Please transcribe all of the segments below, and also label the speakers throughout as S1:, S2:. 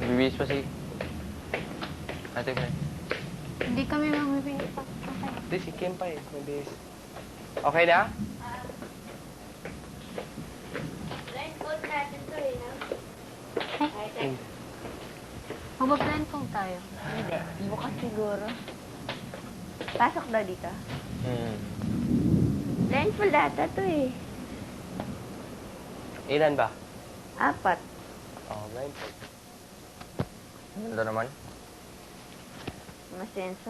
S1: Bibihis pa si... Ate Fred.
S2: Hindi kami mamibigay pa. Okay.
S1: Hindi, si Kim pa eh. Mabihis. Okay na?
S3: Blindfold natin to eh, no?
S2: Ay, mag-blindfold tayo.
S3: Hindi. Bukas siguro. Pasok daw dito. Blindfold data to eh.
S1: Ilan ba?
S3: 4.
S1: Oh, blindfold. Ganda naman.
S3: Masenso.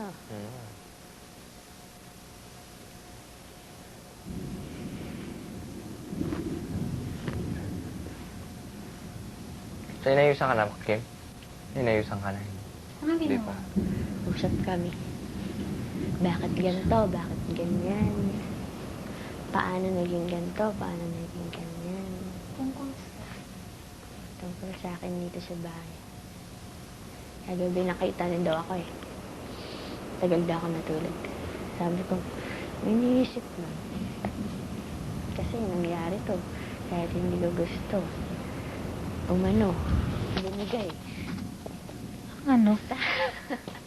S1: So, inayusan ka na, Kim? Inayusan ka na.
S2: Anong
S1: Hindi
S2: ginawa?
S1: pa.
S3: Usap kami. Bakit ganito? Bakit ganyan? Paano naging ganito? Paano naging ganyan?
S2: Tungkol
S3: Tungkol sa akin dito sa bahay. Kagabi nakita rin daw ako eh. Tagal daw ako natulog. Sabi ko, may iniisip lang. Kasi nangyari to. Kahit hindi ko gusto. Umano. Binigay.
S2: ano?